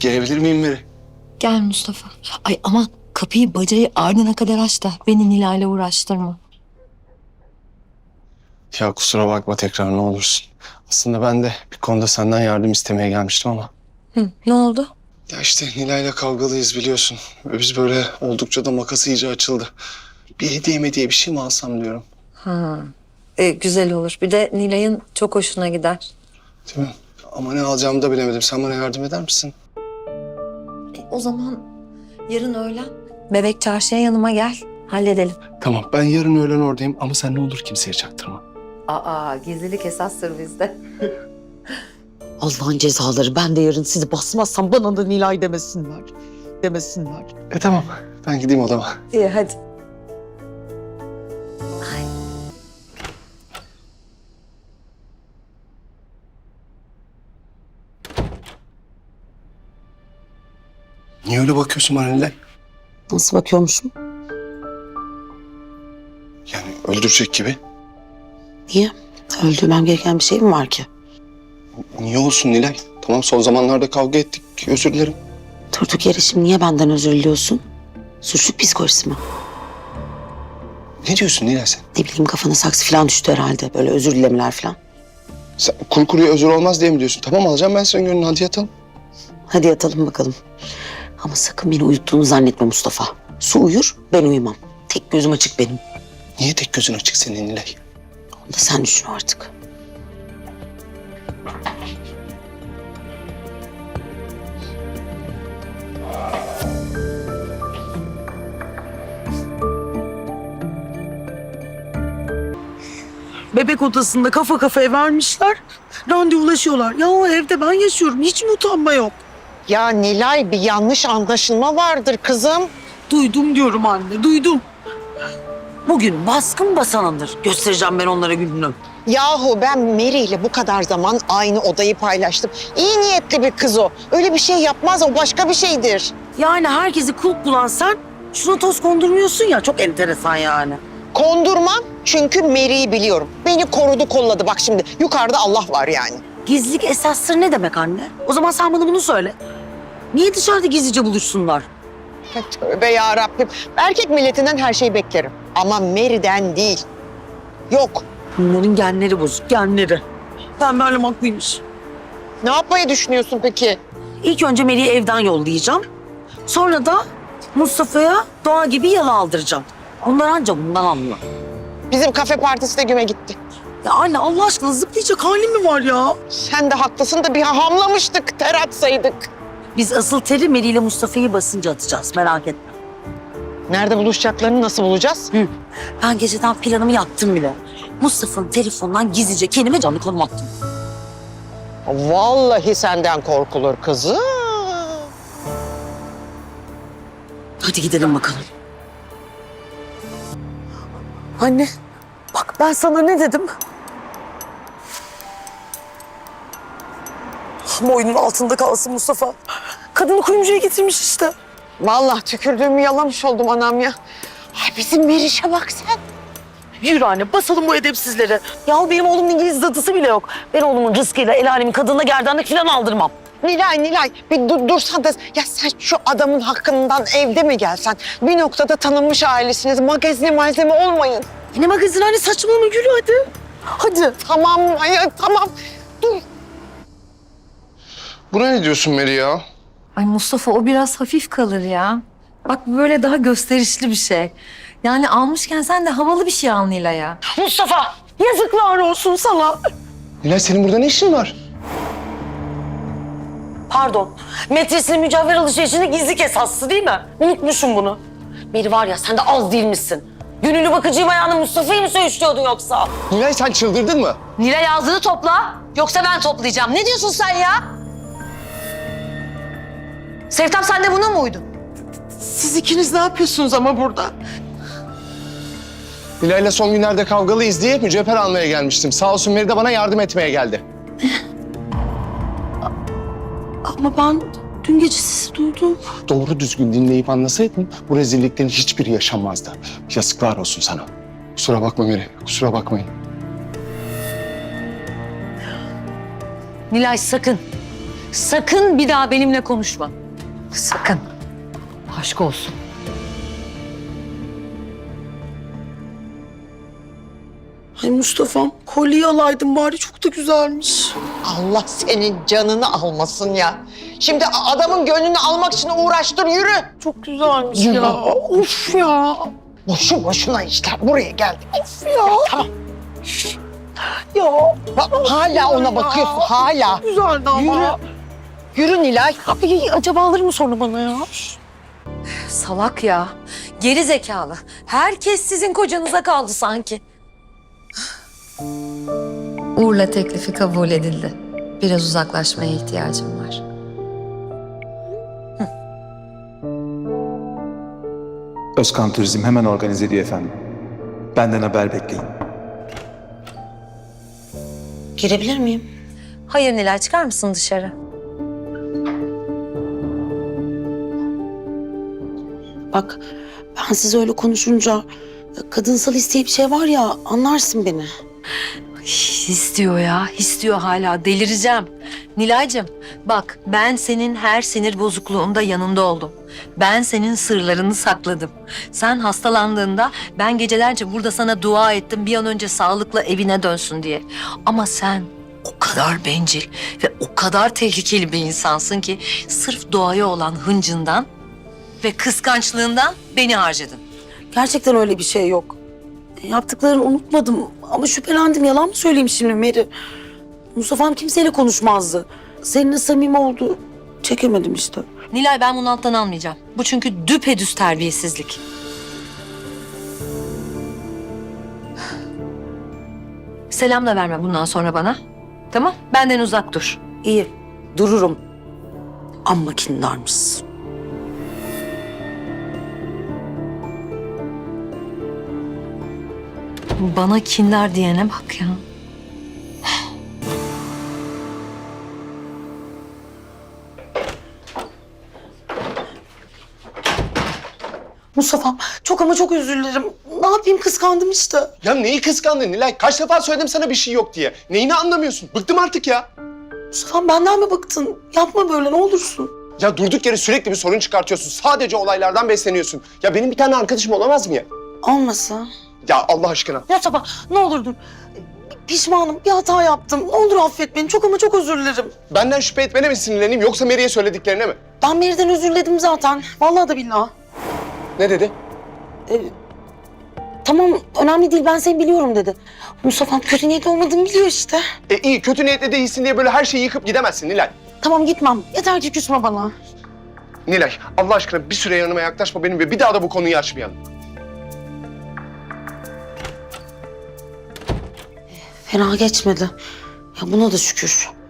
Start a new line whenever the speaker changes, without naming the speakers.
Gelebilir miyim Meri?
Gel Mustafa. Ay aman kapıyı bacayı ardına kadar aç da beni Nilay'la uğraştırma.
Ya kusura bakma tekrar ne olursun. Aslında ben de bir konuda senden yardım istemeye gelmiştim ama.
Hı, ne oldu?
Ya işte Nilay'la kavgalıyız biliyorsun. Ve biz böyle oldukça da makası iyice açıldı. Bir hediye bir şey mi alsam diyorum.
Ha, güzel olur. Bir de Nilay'ın çok hoşuna gider.
Değil mi? Ama ne alacağımı da bilemedim. Sen bana yardım eder misin?
O zaman yarın öğlen Bebek Çarşı'ya yanıma gel. Halledelim.
Tamam ben yarın öğlen oradayım ama sen ne olur kimseye çaktırma.
Aa, gizlilik esastır bizde.
Allah'ın cezaları. Ben de yarın sizi basmazsam bana da Nilay demesinler. Demesinler.
Tamam ben gideyim odama.
İyi hadi.
Niye öyle bakıyorsun bana Nilay?
Nasıl bakıyormuşum?
Yani öldürecek gibi.
Niye? Öldürmem gereken bir şey mi var ki?
Niye olsun Nilay? Tamam son zamanlarda kavga ettik. Özür dilerim.
Durduk yere şimdi niye benden özür diliyorsun? Suçluk psikolojisi mi?
Ne diyorsun Nilay sen?
Ne bileyim kafana saksı falan düştü herhalde. Böyle özür dilemeler falan.
Sen kuru kuruya özür olmaz diye mi diyorsun? Tamam alacağım ben senin gönlünü hadi yatalım.
Hadi yatalım bakalım. Ama sakın beni uyuttuğunu zannetme Mustafa. Su uyur, ben uyumam. Tek gözüm açık benim.
Niye tek gözün açık senin Nilay?
Onu da sen düşün artık.
Bebek odasında kafa kafaya vermişler. Randevulaşıyorlar. Ya o evde ben yaşıyorum. Hiç mi utanma yok?
Ya Nilay bir yanlış anlaşılma vardır kızım.
Duydum diyorum anne, duydum.
Bugün baskın basanındır. Göstereceğim ben onlara gününü.
Yahu ben Mary ile bu kadar zaman aynı odayı paylaştım. İyi niyetli bir kız o. Öyle bir şey yapmaz, o başka bir şeydir.
Yani herkesi kulp bulan sen şuna toz kondurmuyorsun ya. Çok enteresan yani.
Kondurmam çünkü Mary'i biliyorum. Beni korudu kolladı bak şimdi. Yukarıda Allah var yani.
Gizlilik esastır ne demek anne? O zaman sen bana bunu söyle. Niye dışarıda gizlice buluşsunlar?
Tövbe yarabbim. Erkek milletinden her şeyi beklerim. Ama Mary'den değil. Yok.
Bunların genleri bozuk, genleri. Pembe Hanım haklıymış.
Ne yapmayı düşünüyorsun peki?
İlk önce Mary'i evden yollayacağım. Sonra da Mustafa'ya Doğa gibi yalı aldıracağım. Onlar anca bundan anlıyor.
Bizim kafe partisi de güme gitti.
Ya anne Allah aşkına zıplayacak halim mi var ya?
Sen de haklısın da bir hamlamıştık, ter atsaydık.
Biz asıl teri Meri ile Mustafa'yı basınca atacağız merak etme.
Nerede buluşacaklarını nasıl bulacağız?
Ben geceden planımı yaptım bile. Mustafa'nın telefonundan gizlice kendime canlı konum attım.
Vallahi senden korkulur kızım.
Hadi gidelim bakalım. Anne bak ben sana ne dedim? Boynun altında kalsın Mustafa. Kadını kuyumcuya getirmiş işte.
Vallahi tükürdüğümü yalamış oldum anam ya. Ay bizim Meriç'e bak sen.
Yürü anne basalım bu edepsizleri. Yahu benim oğlumun İngiliz dadısı bile yok. Ben oğlumun rızkıyla el alemin kadınına gerdanlık falan aldırmam.
Nilay bir dursan da ya sen şu adamın hakkından evde mi gelsen? Bir noktada tanınmış ailesiniz. Magazine malzeme olmayın.
Ne magazin anne saçmalama yürü hadi. Hadi.
Tamam tamam. Dur.
Buna ne diyorsun Meri ya?
Ay Mustafa o biraz hafif kalır ya. Bak bu böyle daha gösterişli bir şey. Yani almışken sen de havalı bir şey al Nilay'a.
Mustafa yazıklar olsun sana.
Nilay senin burada ne işin var?
Pardon. Metresinin mücevher alışverişinde gizlilik esaslı değil mi? Unutmuşum bunu. Biri var ya sen de az değil misin? Gönüllü bakıcıyım ayağını Mustafa'yı mı söğüşlüyordun yoksa?
Nilay sen çıldırdın mı?
Nilay ağzını topla. Yoksa ben toplayacağım. Ne diyorsun sen ya? Sevtap sen de buna mı uydun?
Siz ikiniz ne yapıyorsunuz ama burada?
Nilay'la son günlerde kavgalıyız diye mücevher almaya gelmiştim. Sağ olsun Meri de bana yardım etmeye geldi.
Ama ben dün gece sizi duydum.
Doğru düzgün dinleyip anlasaydın bu rezilliklerin hiçbiri yaşanmazdı. Yazıklar olsun sana. Kusura bakma Meri, kusura bakmayın.
Nilay sakın. Sakın bir daha benimle konuşma. Sakın. Aşk olsun.
Ay Mustafa'm kolyeyi alaydın bari, çok da güzelmiş.
Allah senin canını almasın ya. Şimdi adamın gönlünü almak için uğraştır, yürü.
Çok güzelmiş ya. Of ya.
Boşu boşuna işler, buraya geldik.
Of ya.
Tamam.
Ya.
Bak, hala ona bakıyorsun, hala.
Güzeldi ama.
Yürü Nilay.
Ay, acaba alır mı sonra bana ya?
Salak ya. Geri zekalı. Herkes sizin kocanıza kaldı sanki. Uğur'la teklifi kabul edildi. Biraz uzaklaşmaya ihtiyacım var.
Özkan Turizm hemen organize ediyor efendim. Benden haber bekleyin.
Girebilir miyim?
Hayır Nilay, çıkar mısın dışarı?
Bak ben size öyle konuşunca kadınsal isteği bir şey var ya, anlarsın beni.
İstiyor ya, istiyor hala. Delireceğim. Nilay'cığım bak, ben senin her sinir bozukluğunda yanında oldum. Ben senin sırlarını sakladım. Sen hastalandığında ben gecelerce burada sana dua ettim bir an önce sağlıkla evine dönsün diye. Ama sen o kadar bencil ve o kadar tehlikeli bir insansın ki sırf doğaya olan hıncından ve kıskançlığından beni harcadın.
Gerçekten öyle bir şey yok. Yaptıklarını unutmadım ama şüphelendim. Yalan mı söyleyeyim şimdi Meri? Mustafa'm kimseyle konuşmazdı. Seninle samimi oldu. Çekemedim işte.
Nilay, ben bunu alttan almayacağım. Bu çünkü düpedüz terbiyesizlik. Selam da verme bundan sonra bana. Tamam? Benden uzak dur.
İyi, dururum. Amma kindarmışsın.
Bana kindar diyene bak ya.
Mustafa'm çok ama çok özür dilerim. Ne yapayım, kıskandım işte.
Ya neyi kıskandın Nilay? Kaç defa söyledim sana bir şey yok diye. Neyini anlamıyorsun? Bıktım artık ya.
Mustafa'm benden mi bıktın? Yapma böyle, ne olursun.
Ya durduk yere sürekli bir sorun çıkartıyorsun. Sadece olaylardan besleniyorsun. Ya benim bir tane arkadaşım olamaz mı ya?
Olmasa.
Ya Allah aşkına.
Mustafa ne olur dur. Pişmanım, bir hata yaptım. Ne olur affet beni. Çok ama çok özür dilerim.
Benden şüphe etmene mi sinirleneyim yoksa Mary'e söylediklerine mi?
Ben Meri'den özür diledim zaten. Vallahi da billahi.
Ne dedi?
Tamam, önemli değil, ben seni biliyorum dedi. Mustafa'm kötü niyetli olmadığımı biliyor işte.
İyi, kötü niyetle değilsin diye böyle her şeyi yıkıp gidemezsin Nilay.
Tamam, gitmem. Yeter ki küsme bana.
Nilay, Allah aşkına bir süre yanıma yaklaşma benim ve bir daha da bu konuyu açmayalım.
Fena geçmedi. Ya buna da şükür.